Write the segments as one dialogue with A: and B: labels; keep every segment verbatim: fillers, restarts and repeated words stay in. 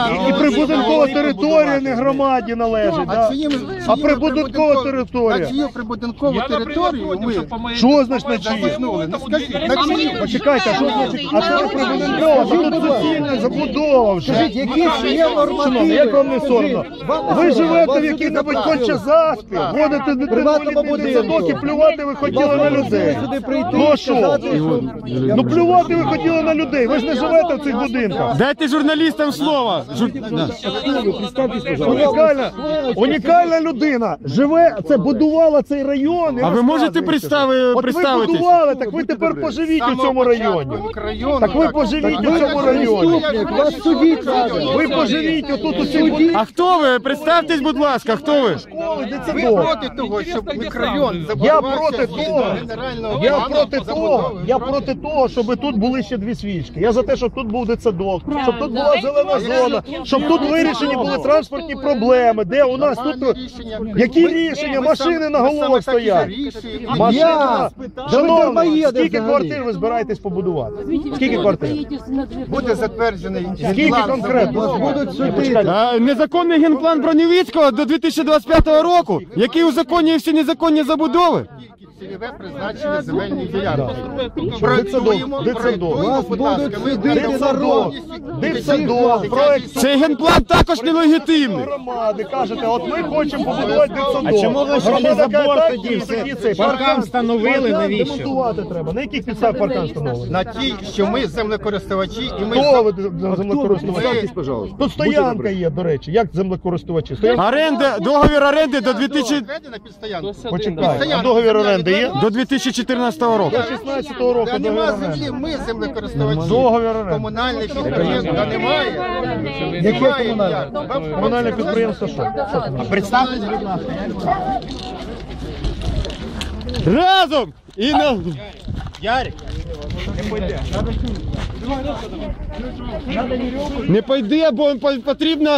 A: І прибудинкова територія не громаді належить, да? А прибудинкова територія.
B: На чию прибудинкову територію ви?
A: Що значить на чиї?
B: Ну скажіть, на чию?
A: Почекайте, а що значить? А це не прибудинкова, це тут суцільна забудова вже.
B: Які ж є нормативи?
A: Як вам не соромно? Ви живете в якій-небудь Конча-Заспі, водите дитину в садок і плювати ви хотіли на людей. Ну а що? Ну плювати ви хотіли на людей, ви ж не живете в цих будинках.
C: Дайте журналістам слово. Жур...
A: Унікальна, унікальна людина живе, це будувала цей район.
C: А ви можете представити,
A: От ви
C: представитись?
A: будували, так ви тепер поживіть у цьому районі. Так ви поживіть у цьому районі.
B: Вас судіть треба.
A: Ви поживіть отут у цих будинках.
C: А хто ви? Представтесь, будь ласка, хто ви?
B: Ви проти того, щоб мікрорайон
A: Я
B: забудувався
A: проти
B: згідно
A: того,
B: генерального
A: я
B: плану
A: проти того,
B: забудови?
A: я проти того, щоб тут були ще дві свічки. Я за те, щоб тут був дитсадок, щоб тут була зелена зона, щоб тут вирішені були транспортні проблеми, де у нас тут... Які рішення? Машини на головах стоять. Машина. Шановні, скільки квартир ви збираєтесь побудувати? Скільки квартир?
B: Буде затверджений
A: Скільки
B: план
A: конкретно?
B: забудови.
C: А, незаконний генплан Бронєвіцького до дві тисячі двадцять п'ятого року, який узаконює всі незаконні забудови.
B: Цільове призначення земельних ділянок.
A: Дитсадок,
B: Проєктуємо,
A: дитсадок,
B: проєктуємо, будь ласка, ми
A: дитсадок, дитсадок, проект.
C: Цей генплан також нелегітимний.
A: Громади, кажете, от ми хочемо побудувати дитсадок.
D: А чому ви ще не забор тоді все? Паркан встановили, навіщо?
A: Демонтувати треба. На яких підставах паркан встановили?
B: на ті, що ми землекористувачі, і ми
A: Хто ви
B: за-
A: землекористувачі? Тут стоянка є, до речі. Як землекористувачі? Стоянка?
C: Оренда, договір оренди до дві тисячі...
B: Відведена під стоянку.
A: Почекай, а договір оренди є?
C: до дві тисячі чотирнадцятого року.
A: До шістнадцятого року
B: Та
A: договір
B: нема
A: оренди.
B: землі, ми землекористувачі.
A: Договір оренди.
B: Комунальних підприємств та немає.
A: Яке
B: Немає
A: комунальне?
B: ніяк.
A: Комунальне підприємство що?
B: Представте, будь ласка.
C: Разом! І на... Не пойде, бо по- потрібно...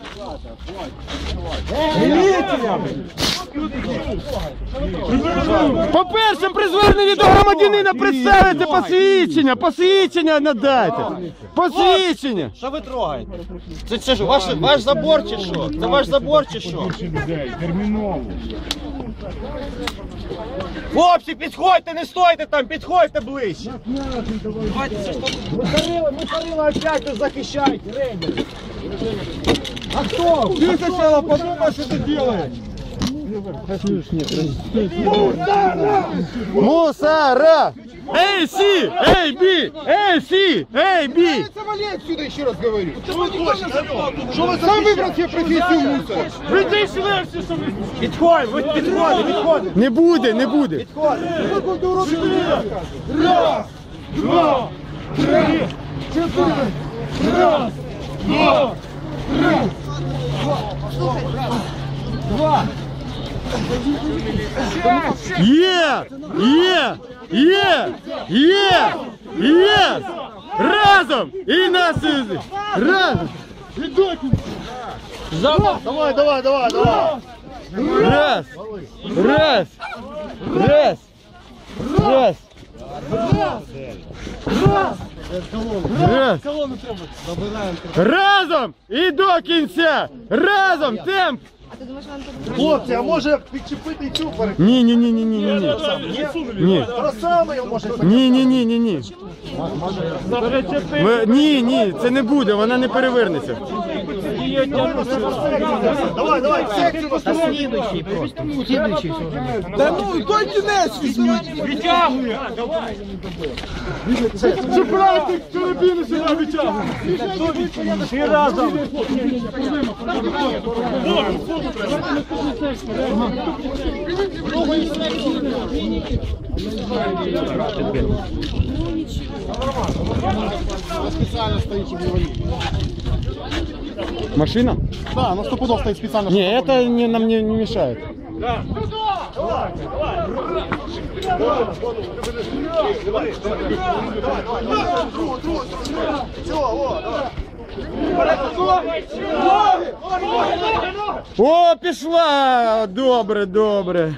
C: По-перше, при зверненні до громадянина представити посвідчення, посвідчення надайте. Посвідчення.
D: Що ви трогаєте? Це, це ж ваш, ваш забор чи що? Це ваш забор чи що? Хлопці, підходьте, не стойте там, підходьте ближче. Ми Карила опять захищайте, рейдери. А хто? Ти сначала подумай, що ти робиш.
C: Мусора! Эй, Си! Эй, Би! Эй, Си! Эй, Би!
B: Завали отсюда, еще раз говорю.
A: Що ви
B: Сам выбрал себе профессию мусора.
D: Підходь, ви підходи, підходи.
C: Не буде, не буде. Є! Є! Є! Є! Є! Разом! І нас! Разом!
A: Давай, давай, давай, давай.
C: Раз! Раз! Раз! Раз! Раз! Разом! І до кінця! Разом! Темп!
A: Хлопці, а може підчепити цю перед...
C: Ні, ні, ні, ні, ні, ні. Ні.
A: Тросами його може...
C: Ні, ні, ні, ні, ні. Ви- Ні, ні, це не буде, вона не перевернеться.
A: Давай, давай, в секцію поставимо.
D: Слідуючий просто, слідуючий.
B: Да ну, той кінець візьміть.
A: Чіпляйте карабіни сюди, витягуй. І разом.
C: Машина?
A: Да, на сто пудов стоит специально.
C: Не, это не, нам не, не мешает. О, пішла! Добре, добре.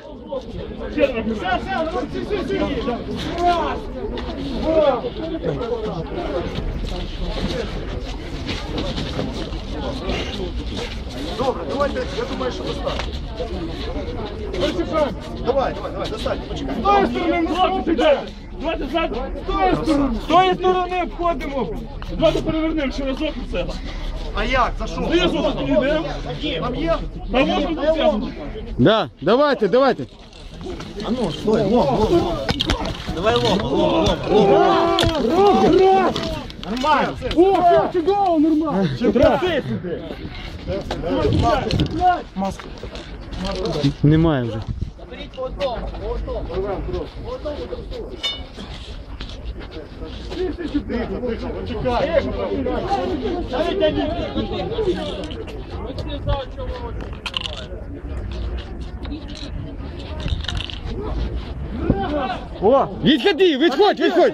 A: давайте, я думаю, що достатньо. Давай, давай, давай, достатньо, почекай.
D: З тої сторони, хлопці, йдете. Давайте ззаду. З тої сторони. З тої сторони обходимо. Давайте перевернемо ще разок і все.
A: А як, за що?
D: Знизу тут йдемо.
A: Там є?
D: Та можна дотягнути.
C: Да, давайте, давайте.
D: Нормально. О, все, чудово, нормально. Краси сюди.
C: Немає вже.
A: О,
C: Відходи, відходь, відходь.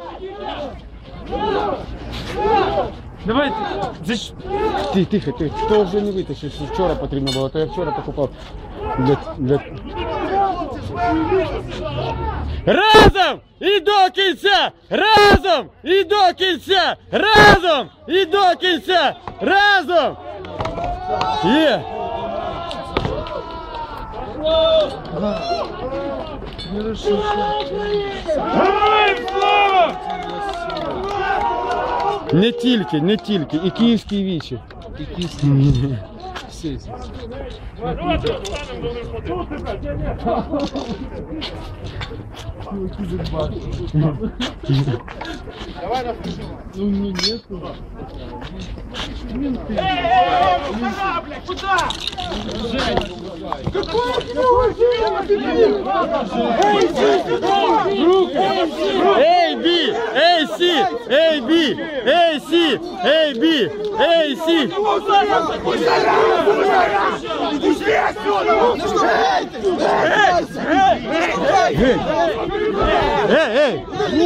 D: Давайте.
C: Ти, тихо, тихо. То вже не витащиш, що вчора потрібно було, то я вчора покупав. Для, для... Разом і до кінця! Разом і до кінця! Разом і до кінця! Разом! Є!
D: Героям слава!
C: Не тільки, не тільки, і київські вічі.
D: Давайте встанемо до виходу.
C: Ей, бі! Ей, сі! Ей, бі! Ей, сі! Ей, бі! Ей, сі! Ей, ей!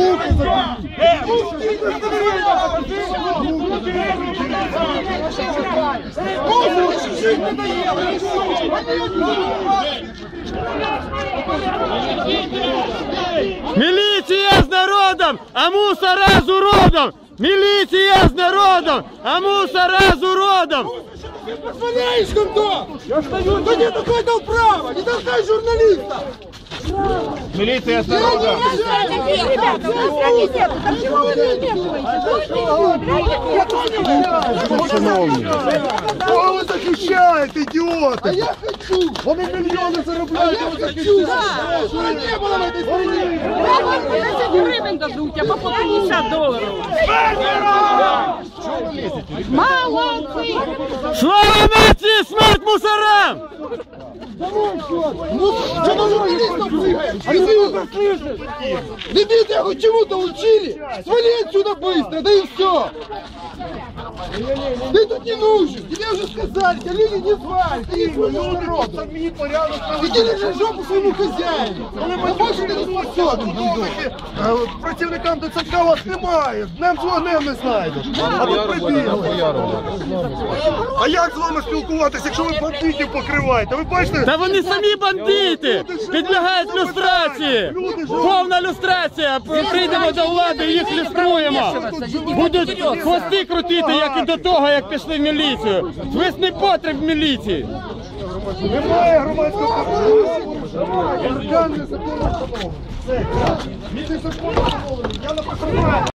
C: Міліція з народом, а мусора з уродом! Міліція з народом, а мусора з уродом!
B: Позволяешь кто? Я стою. Да нет, какой дал право? Не толкай журналиста.
A: міліція з народом.
E: Ребята, у нас комитет, так чего вы не вмешиваетесь?
A: Кого ви захищаєте, ідіоти?
B: А я хочу.
A: Вони мільйони
B: А
A: заробляють,
B: я
A: а ви
B: хочу.
A: захищаєте.
B: Чтобы не было в этой стране.
E: тридцать гривен дадут, а по пятьдесят долларов. Молодцы!
C: Слава нації, смерть мусорам!
B: Ну, что на журналистов прыгаешь? Дебил. Дебил, тебя хоть чему-то учили? Свали отсюда быстро, да и все. Ты тут не нужен. Тебе уже сказали, тебя люди не звали. Ты не свой народ.
A: Самі порядок
B: Иди лежи жопу своему хозяину. А больше ты не способен, гандон.
A: Е, Працівникам ТЦК вас немає, днем з вогнем не знайдеш. А тут прибігли. А як з вами спілкуватися, якщо ви бандитів покриваєте? Ви бачите?
C: Та вони самі бандити! Підлягають люстрації! Повна люстрація! Прийдемо до влади, їх люструємо! Будуть хвости крутити, як і до того, як пішли в міліцію! Весь непотріб в міліції!
A: Немає громадського контролю. Органи закону встановлені. Все. Місяць закону встановлені. Я на покриваю.